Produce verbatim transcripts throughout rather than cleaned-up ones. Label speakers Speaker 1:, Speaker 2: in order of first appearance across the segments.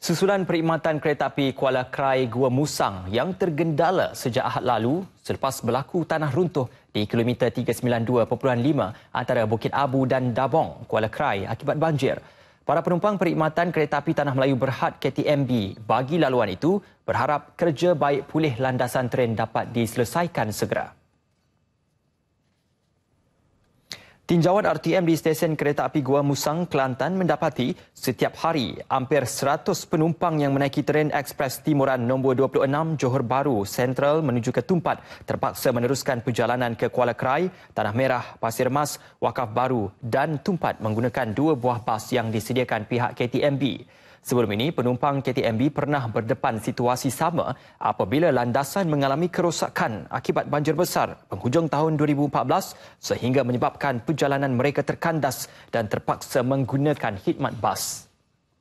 Speaker 1: Susulan perkhidmatan kereta api Kuala Krai Gua Musang yang tergendala sejak Ahad lalu selepas berlaku tanah runtuh di kilometer tiga sembilan dua perpuluhan lima antara Bukit Abu dan Dabong, Kuala Krai akibat banjir. Para penumpang perkhidmatan kereta api Tanah Melayu Berhad K T M B bagi laluan itu berharap kerja baik pulih landasan tren dapat diselesaikan segera. Tinjauan R T M di stesen kereta api Gua Musang, Kelantan mendapati setiap hari hampir seratus penumpang yang menaiki tren ekspres timuran nombor dua puluh enam Johor Bahru Sentral menuju ke Tumpat terpaksa meneruskan perjalanan ke Kuala Krai, Tanah Merah, Pasir Mas, Wakaf Baru dan Tumpat menggunakan dua buah bas yang disediakan pihak K T M B. Sebelum ini, penumpang K T M B pernah berdepan situasi sama apabila landasan mengalami kerosakan akibat banjir besar penghujung tahun dua ribu empat belas sehingga menyebabkan perjalanan mereka terkandas dan terpaksa menggunakan khidmat bas.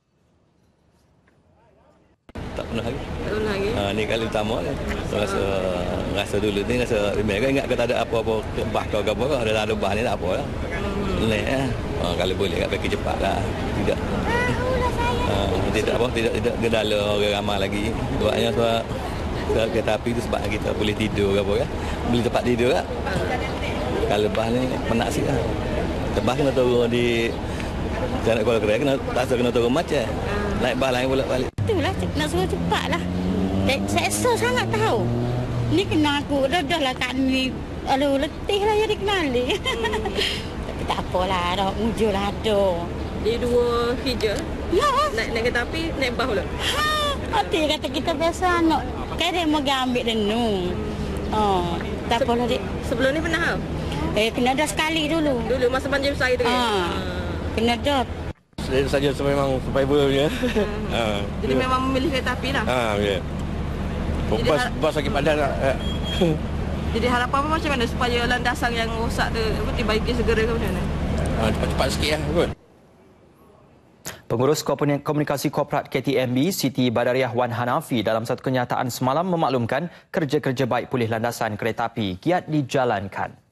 Speaker 2: Tak pernah lagi.
Speaker 3: Tak pernah lagi.
Speaker 2: Ha, ni kali pertama kan. Rasa rasa dulu ni rasa remeh kan, ingat kata ada apa-apa bah kau ke apa kau ada lalu bah ni tak apa lah. Leh eh. Ha, kalau boleh kat pergi cepatlah. Tidak. Ha, tidak apa tidak tidak gendala orang ramai lagi. Sebabnya sebab sebab kereta api tu sebab kita boleh tidur ke apa kan. Boleh tempat tidur kan. Kalau bah ni penat sikit lah. Tebah kena turun di Jalan Kuala Krai kena tak kena turun macam. Naik bah lain pula balik.
Speaker 4: Itulah nak suruh cepatlah. Seksa sangat tahu. Ni kena aku dah dah lah kat ni. Aduh letih lah ya dikenali. Tapi tak apalah, dah mujur lah ada.
Speaker 3: Di dua hijau.
Speaker 4: Ya.
Speaker 3: Naik naik kereta api, naik bah pula.
Speaker 4: Ha, hati kata kita biasa nak. Kan dia mau ambil denung. Oh, tak apalah dik.
Speaker 3: Sebelum ni pernah tau?
Speaker 4: Eh kena dah sekali dulu.
Speaker 3: Dulu masa banjir besar itu kan?
Speaker 4: Ha. Kena dah.
Speaker 2: Saya saja memang survivor punya.
Speaker 3: Ha. Jadi memang memilih kereta api lah.
Speaker 2: Ha, ya.
Speaker 3: Jadi
Speaker 2: Bas
Speaker 3: har-
Speaker 2: bas lagi padan tak.
Speaker 3: Jadi harapan apa macam mana supaya landasan yang rosak tu apa dibaiki segera ke macam mana?
Speaker 2: Ha, cepat-cepat sikit lah kot.
Speaker 1: Pengurus Komunikasi Korporat K T M B Siti Badariah Wan Hanafi dalam satu kenyataan semalam memaklumkan kerja-kerja baik pulih landasan kereta api giat dijalankan.